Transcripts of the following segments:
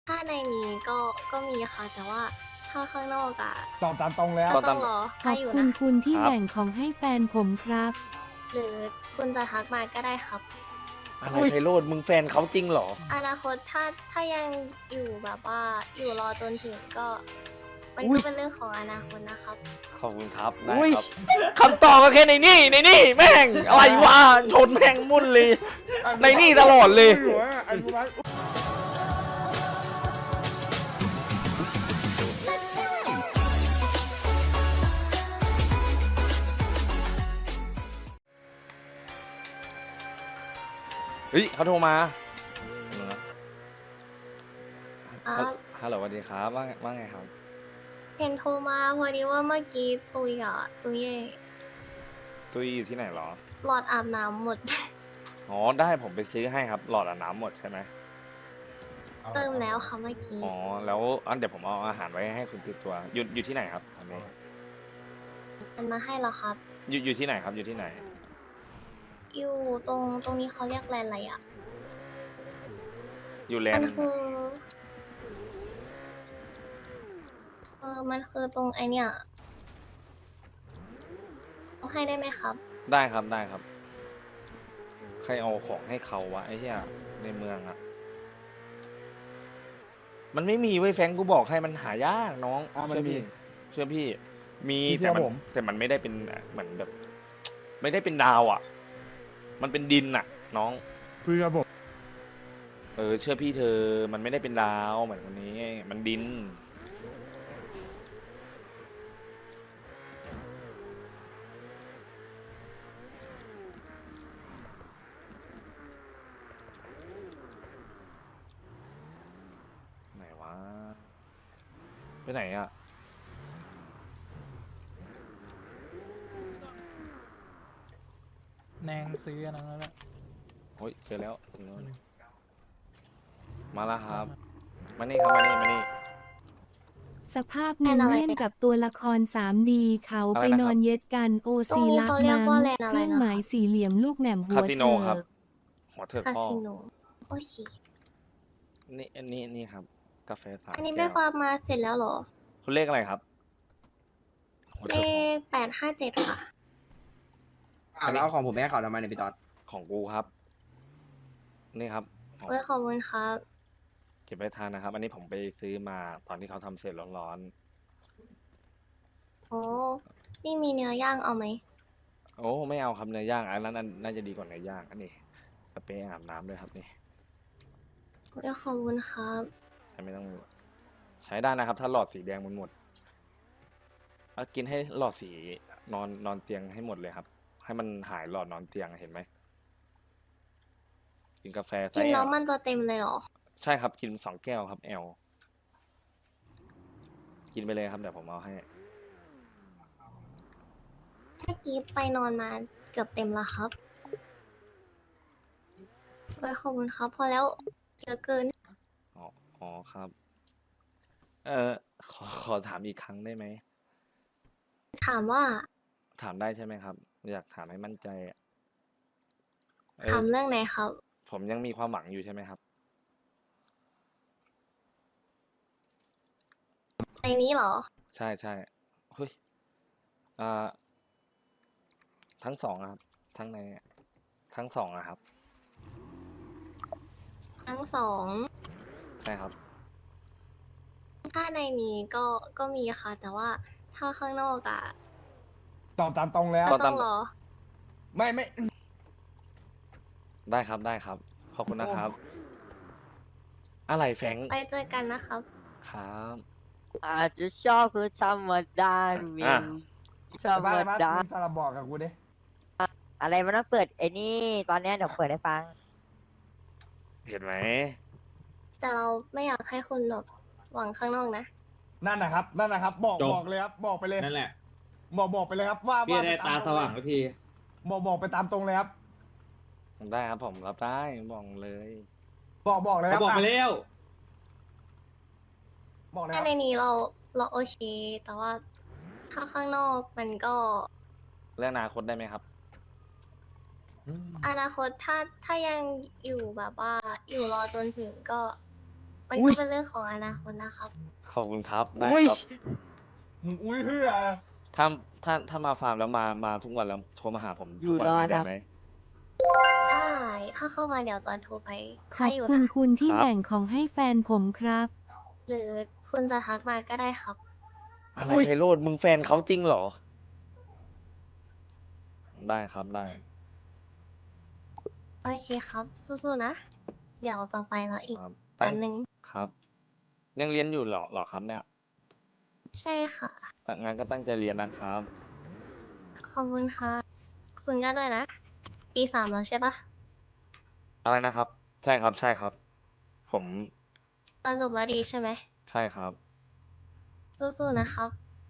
ถ้าในนี้ก็มีค่ะแต่ว่าถ้าข้างนอกอะตอบตามตรงแล้วก็ต้องรอขอให้บอยู่คุณนะคุณที่ครับแบ่งของให้แฟนผมครับหรือคุณจะทักมาก็ได้ครับอะไรไพโรดมึงแฟนเขาจริงเหรออนาคตถ้ายังอยู่แบบว่าอยู่รอจนถึงก็มันอุ๊ก็ยเป็นเรื่องของอนาคตนะครับขอบคุณครับได้ครับคำตอบก็แค่ในนี่แม่งอะไรวะชนแม่งมุ่นเลย ในนี่ตลอดเลย เฮ้ยเขาโทรมาครับฮัลโหลสวัสดีครับว่าไงครับเห็นโทรมาพอดีว่าเมื่อกี้ตุยอ่ะตุยตุ้ยอยู่ที่ไหนเหรอหลอดอาบน้ำหมดอ๋อได้ผมไปซื้อให้ครับ หลอดอาบน้ำหมดใช่ไหมเติมแล้วค่ะเมื่อกี้อ๋อแล้วเดี๋ยวผมเอาอาหารไว้ให้คุณติดตัวอยู่ที่ไหนครับตอนนี้มันมาให้แล้วครับอยู่ที่ไหนครับอยู่ที่ไหนอยู่ตรงนี้เขาเรียกแลนด์อะไรอ่ะอยู่แลมัน นด์คือมันคือตรงไอเนี่ยเอาให้ได้ไหมครับได้ครับได้ครับ ใครเอาของให้เขาวะไอ้เหี้ยในเมืองอะมันไม่มีเว้ยแฟรงค์กูบอกให้มันหายากน้องมันเชื่อพี่มีพี่เชื่แต่อมันผมแต่มันไม่ได้เป็นเหมือนแบบ ไม่ได้เป็นดาวอะมันเป็นดินอะน้องเพื่อผมเชื่อพี่เธอมันไม่ได้เป็นดาวเหมือนคนนี้ มันดินไหนวะไปไหนอะแนงซื้ออันนั้นแล้วแหละโอ้ยเจอแล้วมาแล้วครับ มานี่ครับมานี่สภาพหนึ่งแลนด์อะไรเล่นกับตัวละคร 3D เขาอะไรไปนะครับนอนเย็ดกันโอตรซีงนี้รักเขาเรียกนั้นว่าแลนด์อะไรเครื่องนะคะหมายสี่เหลี่ยมลูกแหม่มหัคาว สิโนเถิครับกหัวเถิกคาพ่อสิโนโอเคนี่ครับ กาแฟสามอันนี้แก้ไม่วฟาร์มมาเสร็จแล้วเหรอคุณเลขอะไรครับหัวเลเถิกพ่อข857ค่ะแล้วของผมไม่ให้เขาทำไมเนี่ยพี่ตอดของกูครับ นี่ครับของเว้ยขอบคุณครับเก็บไว้ทานนะครับ อันนี้ผมไปซื้อมาตอนที่เขาทำเสร็จร้อนโอ้นี่มีเนื้อย่างเอาไหมๆโอ้ไม่เอาครับเนื้อย่างอันนั้นน่าจะดีกว่าเนื้อย่างอันนี้สเปรย์อาบน้ำด้วยครับนี่เว้ยขอบคุณครับไม่ต้องใช้ได้นะครับ ถ้าหลอดสีแดงมันหมดเอากินให้หลอดสีนอนเตียงให้หมดเลยครับ ให้มันหายหลอดนอนเตียงเห็นไหมกินกาแฟกินไส้แล้วมันจะเต็มเลยเหรอใช่ครับกิน2 แก้วครับกินไปเลยครับเดี๋ยวผมเอาให้เมื่อกี้ไปนอนมาเกือบเต็มแล้วครับเว้ยขอบคุณครับ พอแล้วเยอะเกินอ๋อครับ ขอถามอีกครั้งได้ไหมถามว่าถามได้ใช่ไหมครับ อยากถามให้มั่นใจอะถามเรื่องไหนครับผมยังมีความหวังอยู่ใช่ไหมครับในนี้เหรอใช่เฮ้ยอ่าทั้งสองอะครับ ทั้งสองอะครับทั้งสองใช่ครับถ้าในนี้ก็มีค่ะ แต่ว่าถ้าข้างนอกอะตอบตามตรงแล้วก็ต้องรอไม่ได้ครับ ขอบคุณนะครับ อะไรแฟรงค์ไปเจอกันนะครับครับอาจจะชอบคือธรรมดาเวียนธรรมบ้าดามึงสารบบอกกับกูดิอะไรมันต้องเปิดไอ้นี่ ตอนเนี้ยเดี๋ยวเปิดให้ฟังเห็นไหมแต่เราไม่อยากให้คุณแบบหวังข้างนอกนะนั่นนะครับ บอกจบบอกเลยครับ บอกไปเลยนั่นแหละบอกไปเลยครับว่าพี่ว่าได้ปตามสว่างสักทีบอกไปตามตรงเลยครับได้ครับผมรับได้บอกเลยบอกเลยคเขารับบอกไปะแล้วบอกเลยคถ้ารับในนี้เราโอเค แต่ว่าถ้าข้างนอกมันก็เรื่องอนาคตได้ไหมครับอนาคตถ้ายังอยู่แบบว่าอยู่รอจนถึงก็มันอุ๊ก็ยเป็นเรื่องของอนาคตนะครับขอบคุณครับได้อุ้ยครับอุ้ยเฮียถ้ามาฟาร์มแล้วมาทุกวันแล้วโทรมาหาผมอยู่ทุกวันรอได้นะไหมได้ถ้าเข้ามาเดี๋ยวตอนโทรไปขให้อบอยู่คุณนะคุณที่ครับแบ่งของให้แฟนผมครับหรือคุณจะทักมาก็ได้ครับอะไรอุ๊ยไพโรดมึงแฟนเขาจริงเหรอ ได้ครับได้โอเคครับ สู้ๆนะ เดี๋ยวต่อไปแล้วอีกครับอันหนึ่งครับ ยังเรียนอยู่เหรอครับเนี่ยใช่ค่ะงั้นก็ตั้งใจเรียนนะครับขอบคุณค่ะ คุณก็ด้วยนะ ปี3แล้วใช่ปะอะไรนะครับ ใช่ครับใช่ครับ ผมตอนจบแล้วดีใช่ไหมใช่ครับสู้ๆนะครับ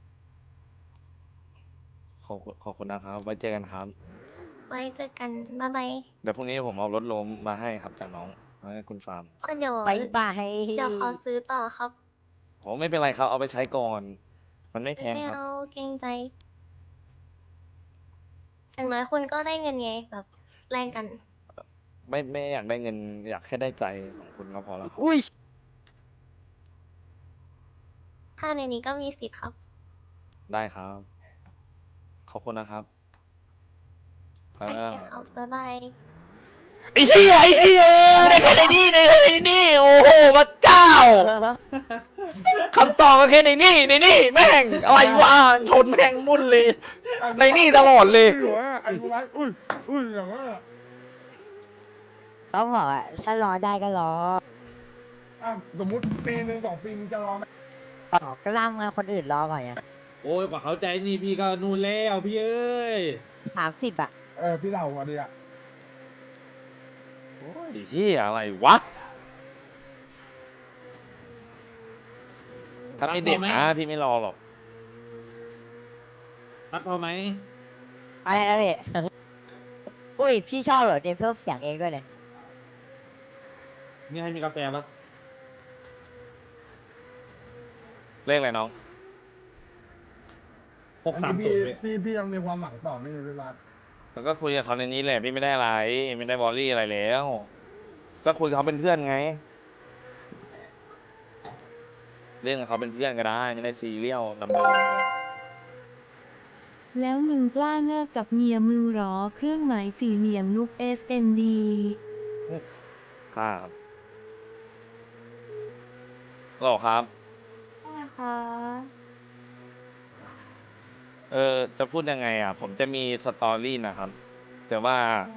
ขอบคุณนะครับ ไว้เจอกันครับไว้เจอกัน บ๊ายบายเดี๋ยวพรุ่งนี้ผมเอารถล้มมาให้ครับจากน้องมาให้คุณฟาร์มเดี๋ยวบายบายเดี๋ยวขอซื้อต่อครับโอ้ไม่เป็นไรครับ เอาไปใช้ก่อน มันไม่แพงไม่ครับเอาเกรงใจ อย่างน้อยคุณก็ได้เงินไงแบบแลกกันไม่อยากได้เงิน อยากแค่ได้ใจของคุณก็พอแล้วครับอุ้ยถ้าในนี้ก็มีสิทธิ์ครับได้ครับ ขอบคุณนะครับโอเคครับ บ๊ายบายไอ้เหี้ยได้แค่ในนี่โอ้โหพระเจ้าคำตอบก็แค่ในนี่แม่งอะไรวะชนแม่งมุ่นเลย ในนี่ตลอดเลยหัวไอ้กูไว้อุ้ยอย่างว่าเขาบอกอ่ะ ถ้ารอได้ก็รออ่ะสมมติปีหนึ่ง2 ปีมึงจะรอไหมก็ล่ำงานคนอื่นรอก่อนไงโอ้ยกว่าเขาใจนี่พี่ก็นู่นแล้วพี่เอ้ย 30 อ่ะพี่เล่าก่อนดีอ่ะโอ้ยเหี้ยอะไรวะ ถ้าไม่เด็กนะพี่ไม่รอหรอกรับพอไหมอะไรนะพี่ อุ้ย พี่ชอบเหรอเจมเพิ่มเสียงเองด้วยเลยนี่ให้มีกาแฟปะเลขอะไรน้อง 630 พี่ยังมีความหวังต่อไม่รู้เวลาแล้วก็คุยกับเขาในนี้แหละพี่ไม่ได้อะไร ไม่ได้บอลลี่อะไรแล้ว ก็คุยกับเขาเป็นเพื่อนไง เรื่องกับเขาเป็นเพื่อนก็ได้ไม่ได้ซีเรียลดำเนินแล้วมึงกล้าเลิกกับเมียมึงหรอ เครื่องหมายสี่เหลี่ยมลูก SMD ครับหรอครับนะคะจะพูดยังไงอ่ะ ผมจะมีสตอรี่นะครับ แต่ว่า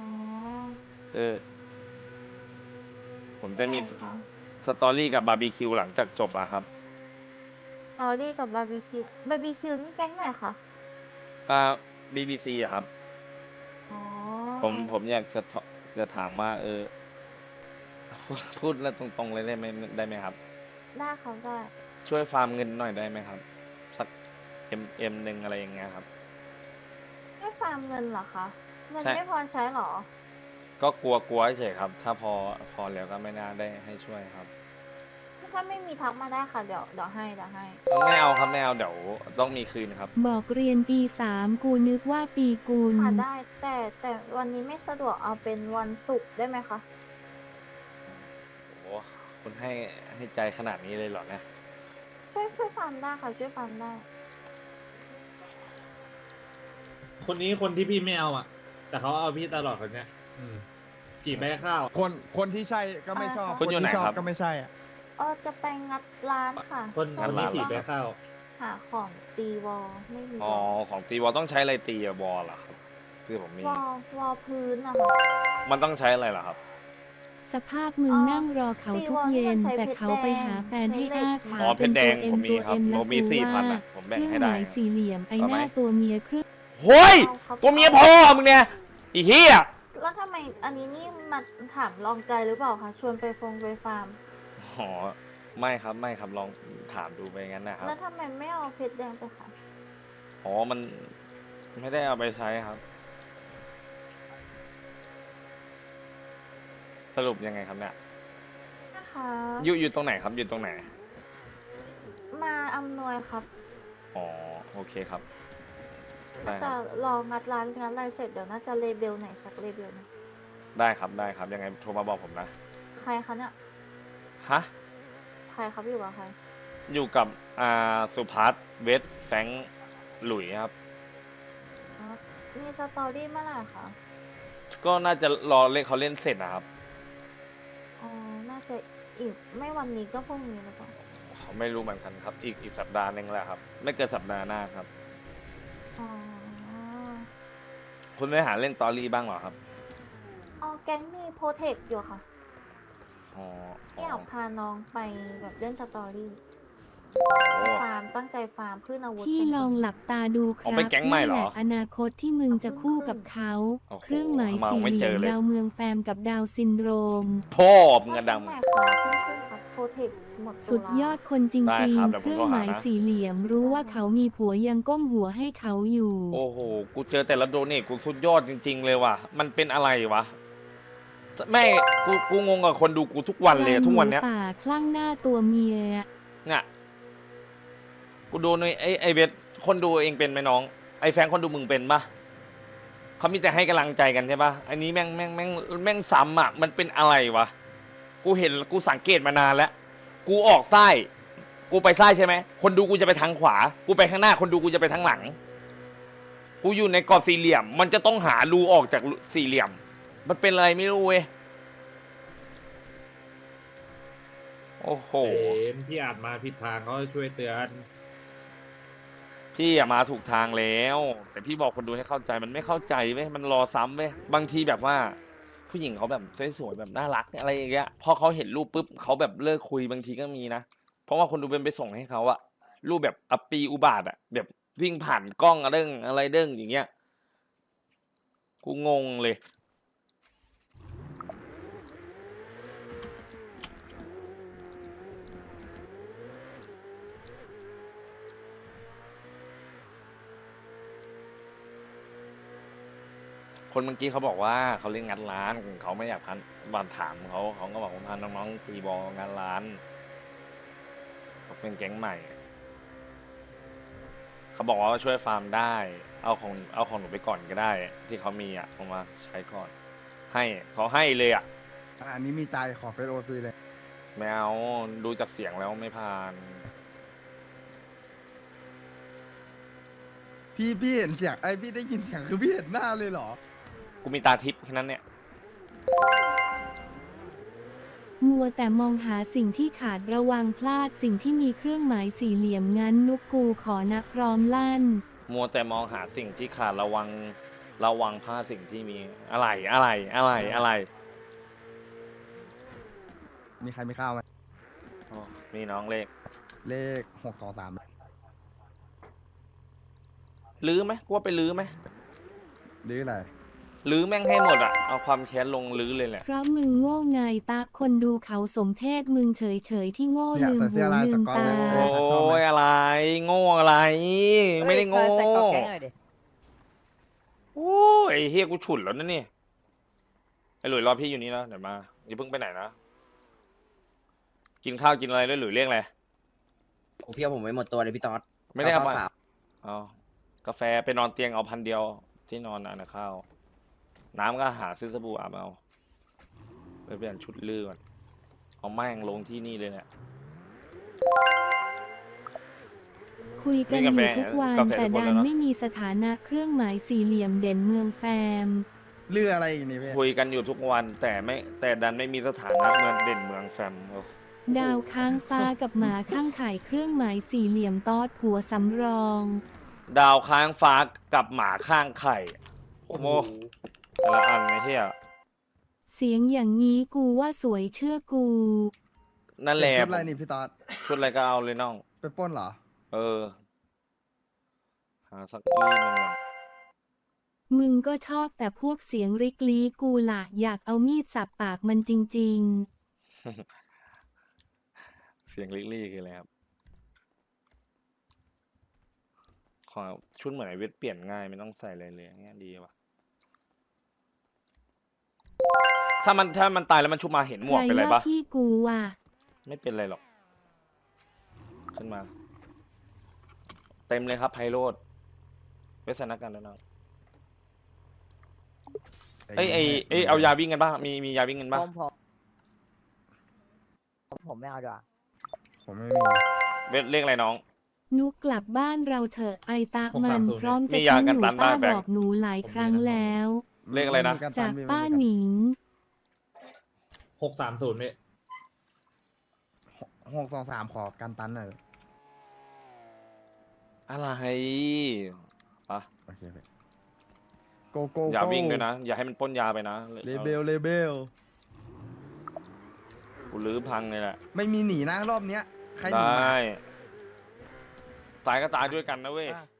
ผมจะมีสตอรี่กับบาร์บีคิวหลังจากจบอะครับออดี้กับบาร์บีคิวนี่แก๊งไหนคะ BBC อะครับอ๋อผมอยากจะถามว่า พูดแล้วตรงๆเลยได้ไหมครับได้ครับได้ช่วยฟาร์มเงินหน่อยได้ไหมครับ สักหนึ่งอะไรอย่างเงี้ยครับไม่ฟาร์มเงินเหรอคะ เงินใช่ไม่พอใช้เหรอก็กลัวเฉยครับ ถ้าพอแล้วก็ไม่น่าได้ให้ช่วยครับถ้าไม่มีทักมาได้ค่ะ เดี๋ยวให้ไม่เอาครับไม่เอาเดี๋ยวต้องมีคืนครับบอกเรียนปี 3 กูนึกว่าปีกุลค่ะได้ แต่วันนี้ไม่สะดวกเอาเป็นวันศุกร์ได้ไหมคะโอ้คุณให้ใจขนาดนี้เลยเหรอเนี่ยช่วยฟาร์มได้ค่ะ ช่วยฟาร์มได้คนนี้คนที่พี่ไม่เอาอ่ะ แต่เขาเอาพี่ตลอดคนเนี้ยกี่ใบข้าวคนที่ใช่ก็ไม่ชอบคุณอยู่ไหนที่ชอบครับก็ไม่ใช่อ่ะจะไปงัดร้านค่ะคนช่วงนี้นี้กี่ใบก็ข้าวหาของตีวอลไม่มีอ๋อของตีวอลต้องใช้อะไรตีอะบอลเหรอครับคือผมมีวอลพื้นนะคะมันต้องใช้อะไรเหรอครับสภาพมึงนั่งรอเขาทุกเย็น แต่เขาไปหาแฟนให้อ้าขาอ๋อเพชรแดงป็นผมมีตัวครับ M ผมมีและกูว่า 4,000อะผมแบ่งเครื่ให้หได้มายสี่เหลี่ยมไอเอาหไหมน้าตัวเมียครึ่งโฮ้ยเอาครับตัวเมียพ่อมึงเนี่ยอีเหี้ยแล้วทำไมอันนี้นี่มาถามลองใจหรือเปล่าคะ ชวนไปไปฟาร์มอ๋อไม่ครับลองถามดูไปงั้นนะครับแล้วทำไมไม่เอาเพชรแดงไปขายอ๋อมันไม่ได้เอาไปใช้ครับ สรุปยังไงครับเนี่ยนะคะอยู่ตรงไหนครับอยู่ตรงไหนมาอำนวยครับอ๋อโอเคครับ ได้น่าคจะรับรองัดร้านอะไรเสร็จเดี๋ยวน่าจะเลเบลไหนสักเลเบลหนึงได้ครับยังไงโทรมาบอกผมนะใครคะเนี่ยฮะใครครับอยู่กับใครอยู่กับสุพัฒน์เวทแฟรงค์หลุยครับอ๋อมีสตอรี่เมื่อไหร่คะก็น่าจะรอเล่นเขาเล่นเสร็จนะครับอ๋อน่าจะอีกไม่วันนี้ก็พรุ่งนี้หรือเปล่าเขาไม่รู้เหมือนกันครับ อีกสัปดาห์หนึงแหละครับ ไม่เกินสัปดาห์หน้าครับอ๋อคุณไม่หาเล่นตอรี่บ้างเหรอครับอ๋อแก๊งมีโปรเทคอยู่ค่ะอ๋ออยากพาน้องไปแบบเล่นสตอรี่โอ้ฟาร์มตั้งใจฟาร์มขึ้นอาวุธพี่กันลองหลับตาดูคอ๋รัอบ เป็นแก๊งใหม่เหรอนั่นแหละอนาคตที่มึงจะคู่กับเขาโอ้โหเครื่องหมายมองสี่ไม่เหเจลี่ยอมเลยดาวเมืองแฟมกับดาวซินโดรมพ่อมึงก็อะแก๊งดำใหม่ครับเพิ่งขึ้นครับโปรเทคหมดตุลาสุดยอดคนจได้ริงครับๆเดี๋ยวผมเครื่องหมายโทรหานะสี่เหลี่ยมรู้ว่าเขามีผัวยังก้มหัวให้เขาอยู่โอ้โห กูเจอแต่ละโดเนทกูสุดยอดจริง ๆ เลยว่ะ มันเป็นอะไรวะ แม่กูงงกับคนดูกูทุกวันเลยทุกวันเนี้ยปลาหมูป่าคลั่งหน้าตัวเมียเนี่ยกูดูในไอเวทคนดูเองเป็นไหมน้อง ไอแฟนคนดูมึงเป็นปะเขามีแต่ให้กำลังใจกันใช่ปะอันนี้แม่งซ้ำอ่ะ มันเป็นอะไรวะ กูเห็นกูสังเกตมานานแล้ว กูออกซ้าย กูไปซ้ายใช่ไหม คนดูกูจะไปทางขวา กูไปข้างหน้า คนดูกูจะไปทางหลัง กูอยู่ในกรอบสี่เหลี่ยม มันจะต้องหารูออกจากสี่เหลี่ยม มันเป็นอะไรไม่รู้เว้ย โอ้โหเห็นพี่อาจมาผิดทางเขาช่วยเตือนพี่อะมาถูกทางแล้ว แต่พี่บอกคนดูให้เข้าใจมันไม่เข้าใจเว้ยมันรอซ้ำเว้ยบางทีแบบว่า ผู้หญิงเขาแบบสวยๆแบบน่ารักอะไรอย่างเงี้ยพอเขาเห็นรูปปุ๊บเขาแบบเลิกคุยบางทีก็มีนะเพราะว่าคนดูเป็นไปส่งให้เขาอะรูปแบบอัปปีอุบาทอะแบบวิ่งผ่านกล้องอะไรเด้งอย่างเงี้ยกูงงเลย คนเมื่อกี้เขาบอกว่าเขาเล่นงานร้านเขาไม่อยากพันบานถามเขาก็บอกว่าพาน้องๆตีบอลงานร้านเขาเป็นแก๊งใหม่ เขาบอกว่าช่วยฟาร์มได้ เอาของหนูไปก่อนก็ได้ ที่เขามีอ่ะเอามาใช้ก่อน ให้เขาให้เลยอ่ะอันนี้มีใจขอเฟซโอซีเลยไม่เอาดูจากเสียงแล้วไม่ผ่านพี่เห็นเสียงไอพี่ได้ยินเสียงคือพี่เห็นหน้าเลยเหรอกูมีตาทิพย์แค่นั้นเนี่ยมัวแต่มองหาสิ่งที่ขาดระวังพลาดสิ่งที่มีเครื่องหมายสี่เหลี่ยมงั้นนุกกูขอนับพร้อมลั่นมัวแต่มองหาสิ่งที่ขาดระวังพลาดสิ่งที่มีอะไรมีใครมีข้าวไหมอ๋อมีน้องเลขเลข623 ลื้อไหมกูว่าไปลื้อไหมหรืออะไรลื้อแม่งให้หมดอะเอาความแค้นลงลื้อเลยแหละเพราะมึงโง่ไงตาคนดูเขาสมเพศมึงเฉยๆที่โง่เนี่ยลืมใส่เสื้หูอลายลืสมก๊อตตาเลยโอ้ยอะไร โง่อะไร ไม่ได้โง่ใส่กรอบแก๊งหน่อยดิโอ้ยไอ้เฮียกูฉุนแล้วนะนี่ไอ้หลุยรอพี่อยู่นี่แล้วเดี๋ยวมาอย่าเพิ่งไปไหนนะกินข้าวกินอะไรด้วยหลุยเรียกอะไรโอ้พี่เอาผมไม่หมดตัวเลยพี่ตอดไม่ได้เอาข้มาวสาวเอากาแฟไปนอนเตียงเอา1,000 เดียวที่นอนอ่ะนะข้าวน้ำก็หาซื้อสบู่อาบเอาไปเปลี่ยนชุดลื้อก่อนเอาแม่งลงที่นี่เลยเนี่ยคุยกันอยู่ทุกวันแต่ดันไม่มีสถานะเครื่องหมายสี่เหลี่ยมเด่นเมืองแฟมเรืออะไรอีกนี่พี่คุยกันอยู่ทุกวันแต่ดันไม่มีสถานะเมืองเด่นเมืองแฟมโอ้ดาวค้างฟ้ากับหมาข้างไข่เครื่องหมายสี่เหลี่ยมตอดผัวสำรองดาวค้างฟ้ากับหมาข้างไข่โอ้โหแต่ละอันไอ้เหี้ยเสียงอย่างนี้กูว่าสวยเชื่อกูนั่นแหละชุดอะไรนี่พี่ตอดชุดอะไรก็เอาเลยน้องไปปล้นเหรอเออ หาสักที่หนึงก่อนมึงก็ชอบแต่พวกเสียงริกลีกูล่ะอยากเอามีดสับปากมันจริงเสียงลิลี่คืออะไรครับขอชุดเหมือนไอเวทเปลี่ยนง่ายไม่ต้องใส่อะไรเลยอย่างเงี้ยดีว่ะถ้ามันตายแล้วมันชุบมาเห็นๆหมใควกรเป็นไรว่าปะพี่กูว่ะไม่เป็นไรหรอก ขึ้นมา เต็มเลยครับไพโรดเวสนักกันแล้วน้องเอ้ยเอายาวิ่งกันบ้างมียาวิ่งกันบ้างผมไม่เอาดีกว่าผมไม่มีเลขอะไรน้องนุกกลับบ้านเราเถอะไอตามัน 630 พร้อมจะมียาทิ้งกันหนูตันป้าบ้านแฟนบอกหนูหลายครั้งแล้วเลขอะไรนะม่มีจากตันป้าไม่มีหนิง 630พี่ 623ขอกันตันหน่อยอะไรปะโอเคพี่โกโก้อย่าวิ่งด้วยนะ อย่าให้มันปล้นยาไปนะเลเบลกูลื้อพังเลยแหละไม่มีหนีนะรอบเนี้ยใครหนีได้มาตายก็ตายด้วยกันนะเว้ยอ่ะ